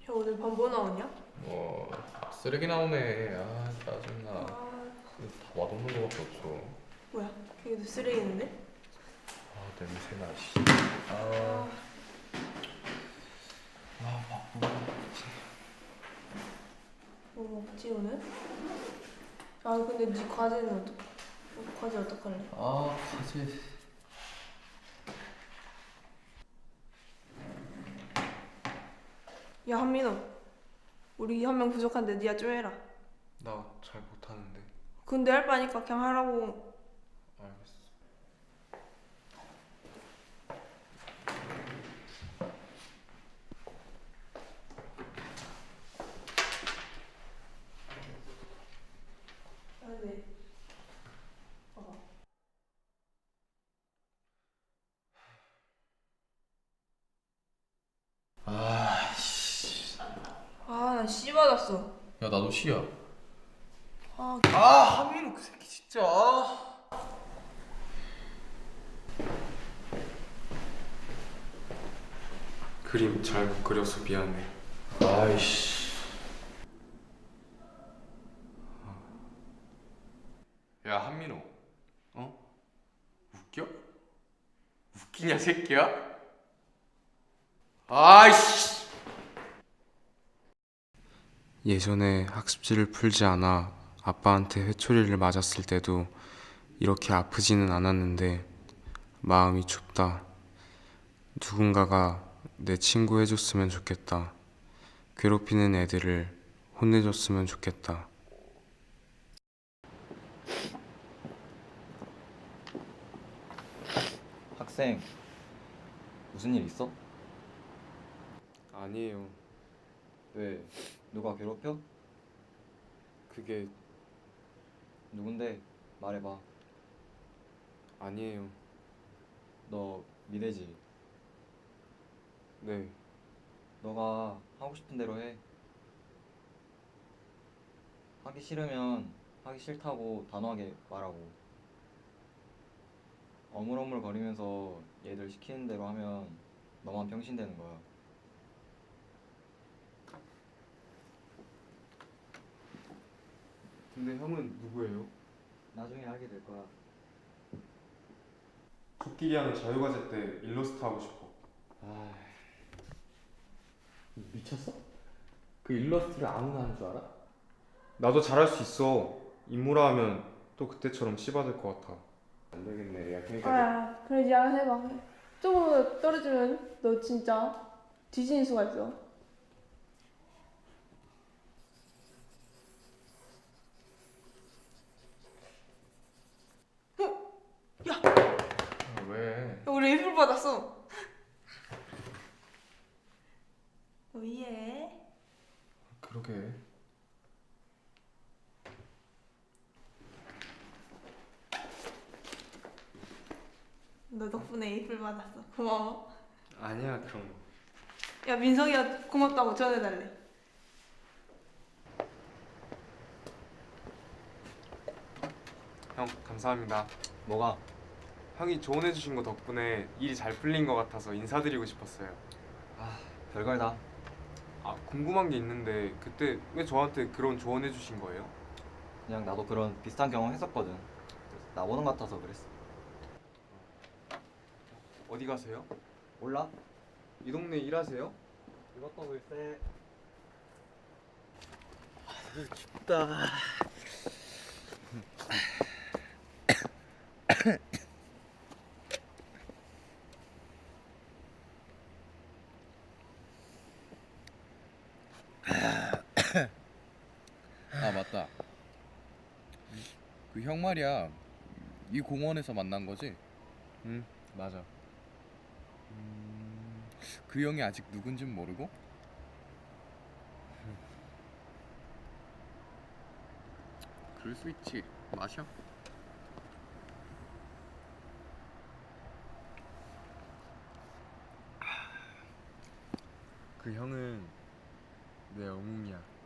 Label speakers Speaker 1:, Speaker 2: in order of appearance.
Speaker 1: 형 오늘 밥 뭐 나오냐?
Speaker 2: 쓰레기 나오네. 아, 짜증나.
Speaker 1: 아,
Speaker 2: 다 맛없는 거밖에 없어.
Speaker 1: 뭐야? 이게 쓰레기인데?
Speaker 2: 아, 냄새나, 씨.
Speaker 1: 아, 뭐 먹지 오늘? 아, 근데 네 과제는 과제 어떡할래?
Speaker 2: 과제.
Speaker 1: 야, 한민호, 우리 한 명 부족한데 니가 좀 해라.
Speaker 2: 나 잘 못하는데.
Speaker 1: 근데 할 바니까 그냥 하라고.
Speaker 2: 알겠어.
Speaker 1: 아, 네. 봐봐.
Speaker 2: 아, 씨.
Speaker 1: 아, 나 C 받았어.
Speaker 2: 야, 나도 C야.
Speaker 1: 아,
Speaker 2: 하민우 그 새끼 진짜.
Speaker 3: 그림 잘 못 그려서 미안해.
Speaker 2: 아이씨.
Speaker 3: 야, 한민호. 웃겨? 웃기냐, 새끼야? 아이씨. 예전에 학습지를 풀지 않아 아빠한테 회초리를 맞았을 때도 이렇게 아프지는 않았는데 마음이 춥다. 누군가가 내 친구 해줬으면 좋겠다. 괴롭히는 애들을 혼내줬으면 좋겠다.
Speaker 4: 학생, 무슨 일 있어?
Speaker 3: 아니에요.
Speaker 4: 왜? 누가 괴롭혀?
Speaker 3: 그게
Speaker 4: 누군데? 말해봐.
Speaker 3: 아니에요.
Speaker 4: 너 미대지?
Speaker 3: 네.
Speaker 4: 너가 하고 싶은 대로 해. 하기 싫으면 하기 싫다고 단호하게 말하고. 어물어물거리면서 얘들 시키는 대로 하면 너만 병신 되는 거야.
Speaker 3: 근데 형은 누구예요?
Speaker 4: 나중에 알게 될 거야.
Speaker 3: 코끼리 하는 자유과제 때 일러스트 하고 싶어.
Speaker 2: 미쳤어? 그 일러스트를 아무나 하는 줄 알아?
Speaker 3: 나도 잘할 수 있어. 인물화 하면 또 그때처럼 씨받을 것 같아.
Speaker 2: 안 되겠네. 야, 그러니까
Speaker 1: 아, 그래, 니 알아서 해봐. 조금 떨어지면 너 진짜 뒤지는 수가 있어. 야,
Speaker 2: 왜?
Speaker 1: 우리 일불 받았어. 오예.
Speaker 2: 그러게.
Speaker 1: 너 덕분에 에이플 받았어. 고마워.
Speaker 3: 아니야, 그럼.
Speaker 1: 야, 민석이가 고맙다고 전해달래.
Speaker 3: 형, 감사합니다.
Speaker 4: 뭐가?
Speaker 3: 형이 조언해주신 거 덕분에 일이 잘 풀린 것 같아서 인사드리고 싶었어요.
Speaker 4: 별걸 다.
Speaker 3: 궁금한 게 있는데 그때 왜 저한테 그런 조언해주신 거예요?
Speaker 4: 그냥 나도 그런 비슷한 경험 했었거든. 그래서 나보는 것 같아서 그랬어.
Speaker 3: 어디 가세요?
Speaker 4: 몰라?
Speaker 3: 이 동네 일하세요?
Speaker 4: 이것도 글쎄.
Speaker 5: 아 맞다. 그 형 말이야. 이 공원에서 만난 거지?
Speaker 3: 응, 맞아.
Speaker 5: 그 형이 아직 누군진 모르고? 그럴 수 있지. 마셔.
Speaker 3: 그 형은 내 영웅이야.